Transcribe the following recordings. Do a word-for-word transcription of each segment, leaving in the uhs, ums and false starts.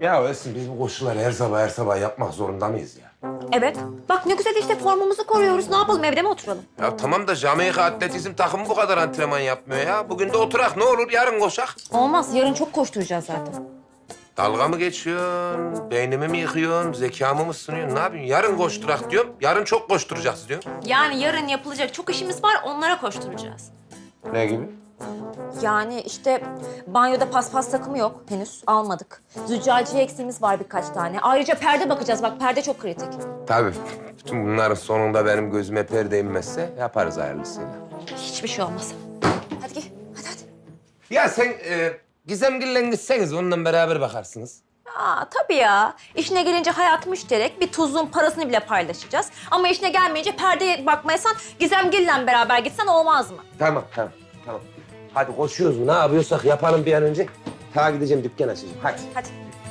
Ya Esin biz bu koşuları her sabah her sabah yapmak zorunda mıyız ya? Evet. Bak ne güzel işte formumuzu koruyoruz. Ne yapalım, evde mi oturalım? Ya tamam da Jamaika atletizm takımı bu kadar antrenman yapmıyor ya. Bugün de oturak ne olur yarın koşak. Olmaz. Yarın çok koşturacağız zaten. Dalga mı geçiyorsun? Beynimi mi yıkıyorsun? Zekamı mı sınıyorsun? Ne yapıyorsun? Yarın koşturak diyorum. Yarın çok koşturacağız diyorum. Yani yarın yapılacak çok işimiz var. Onlara koşturacağız. Ne gibi? Yani işte banyoda paspas takımı yok henüz. Almadık. Züccaciye eksiğimiz var birkaç tane. Ayrıca perde bakacağız. Bak perde çok kritik. Tabii. Bütün bunların sonunda benim gözüme perde inmezse yaparız hayırlısıyla. Hiçbir şey olmaz. Hadi gel. Hadi hadi. Ya sen e, Gizemgil'le gitseniz onunla beraber bakarsınız. Aa tabii ya. İşine gelince hayat müşterek. Bir tuzluğun parasını bile paylaşacağız. Ama işine gelmeyince perdeye bakmayasan Gizemgil'le beraber gitsen olmaz mı? Tamam, tamam, tamam. Hadi koşuyoruz mu? Ne yapıyorsak yapalım bir an önce. Ta gideceğim, dükkan açacağım. Hadi. Hadi.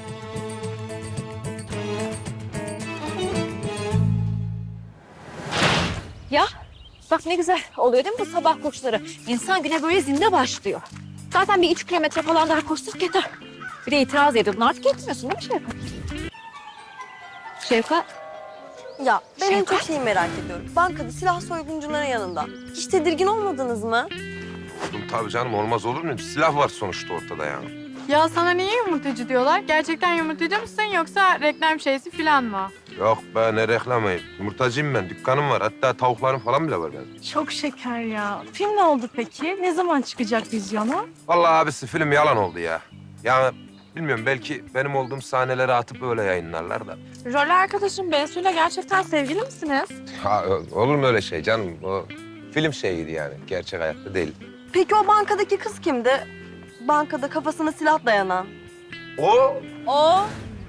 Ya bak ne güzel oluyor değil mi bu sabah koşuları? İnsan güne böyle zinde başlıyor. Zaten bir üç kilometre falan daha koşsak yeter. Bir de itiraz ediyordun. Artık etmiyorsun değil mi Şevkat? Şevkat. Ya ben en Şevkat? çok şeyi merak ediyorum. Bankada silah soyguncuların yanında. Hiç tedirgin olmadınız mı? Tabii canım, olmaz olur mu? Silah var sonuçta ortada yani. Ya sana niye yumurtacı diyorlar? Gerçekten yumurtacı mısın yoksa reklam şeysi falan mı? Yok be, ne reklamı? Yumurtacıyım ben, dükkanım var. Hatta tavuklarım falan bile var benim. Çok şeker ya. Film ne oldu peki? Ne zaman çıkacak vizyona? Vallahi abisi film yalan oldu ya. Yani bilmiyorum, belki benim olduğum sahneleri atıp öyle yayınlarlar da. Rol arkadaşım Bensu'yla gerçekten sevgili misiniz? Ha, olur mu öyle şey canım? O film şeyiydi yani, gerçek hayatta değil. Peki o bankadaki kız kimdi? Bankada kafasına silah dayanan. O O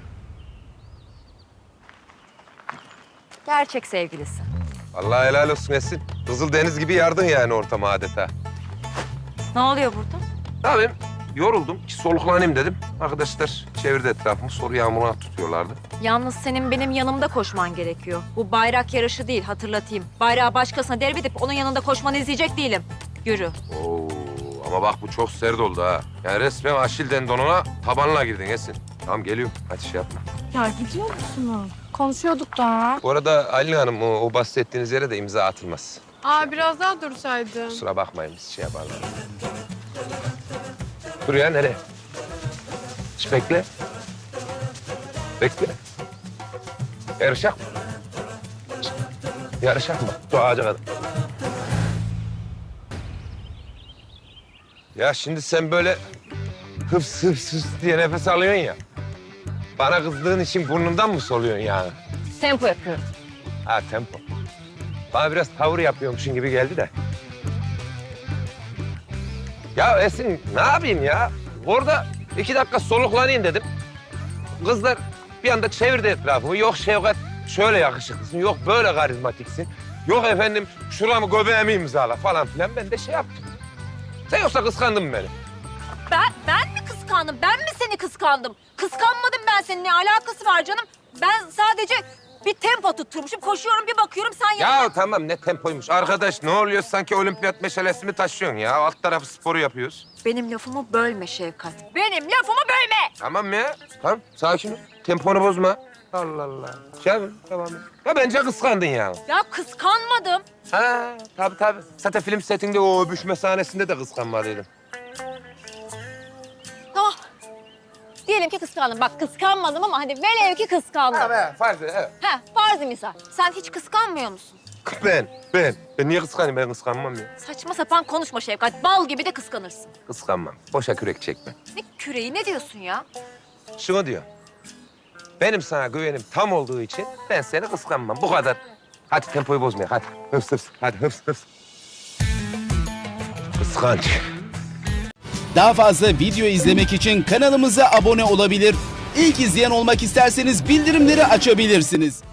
gerçek sevgilisi. vallahi helal olsun Esin. Kızıl deniz gibi yardın yani ortama adeta. Ne oluyor burada? Ne yapayım? Yoruldum ki soluklanayım dedim. Arkadaşlar çevirdi etrafımı, soru yağmuruna tutuyorlardı. Yalnız senin benim yanımda koşman gerekiyor. Bu bayrak yarışı değil, hatırlatayım. Bayrağı başkasına devredip onun yanında koşmanı izleyecek değilim. Yürü. Oo, ama bak bu çok sert oldu ha. Yani resmen Aşil tendonuna tabanla girdin Esin. Tamam geliyorum, hadi şey yapma. Ya gidiyor musunuz? Konuşuyorduk da. Bu arada Aylin Hanım, o, o bahsettiğiniz yere de imza atılmaz. Aa biraz daha dursaydın. Kusura bakmayın, biz şey yaparlar. Dur ya, nereye? Hiç bekle. Bekle. Yarışak mı? Yarışak mı? Şu ağaca kadar. Ya şimdi sen böyle hıps hıps hıps diye nefes alıyorsun ya. Bana kızdığın için burnundan mı soluyorsun yani? Tempo yapıyorum. Ha, tempo. Bana biraz tavır yapıyormuşsun gibi geldi de. Ya Esin, ne yapayım ya? Orada iki dakika soluklanayım dedim. Kızlar bir anda çevirdi etrafımı. Yok Şevkat şöyle yakışıklısın, yok böyle karizmatiksin. Yok efendim şuramı göbeğimi imzala falan filan. Ben de şey yaptım. Sen yoksa kıskandın mı beni? Ben, ben mi kıskandım? Ben mi seni kıskandım? Kıskanmadım ben senin. Ne alakası var canım? Ben sadece bir tempo tutturmuşum. Koşuyorum bir bakıyorum sen Ya tamam, ne tempoymuş. Arkadaş ne oluyor, sanki olimpiyat meşalesi mi taşıyorsun ya? Alt tarafı sporu yapıyoruz. Benim lafımı bölme Şevkat. Benim lafımı bölme! Tamam ya, tamam sakin ol. Temponu bozma. Allah Allah. Şey yapın, tamam. Ya bence kıskandın ya. Ya kıskanmadım. Ha, tabii tabii. Zaten film setinde o öpüşme sahnesinde de kıskanmalıydın. Tamam. Diyelim ki kıskandım. Bak kıskanmadım ama hadi velev ki kıskandım. Ha be, farklı, evet. He, farzı misal. Sen hiç kıskanmıyor musun? Ben, ben. Ben niye kıskanayım? Ben kıskanmam ya. Saçma sapan konuşma Şevkat. Bal gibi de kıskanırsın. Kıskanmam. Boşa kürek çekme. Ne küreği ne diyorsun ya? Şunu diyor. Benim sana güvenim tam olduğu için ben seni kıskanmam. Bu kadar. Hadi tempoyu bozmaya, hadi. Hıps hıps, hadi hıps hıps. Kıskanç. Daha fazla video izlemek için kanalımıza abone olabilir. İlk izleyen olmak isterseniz bildirimleri açabilirsiniz.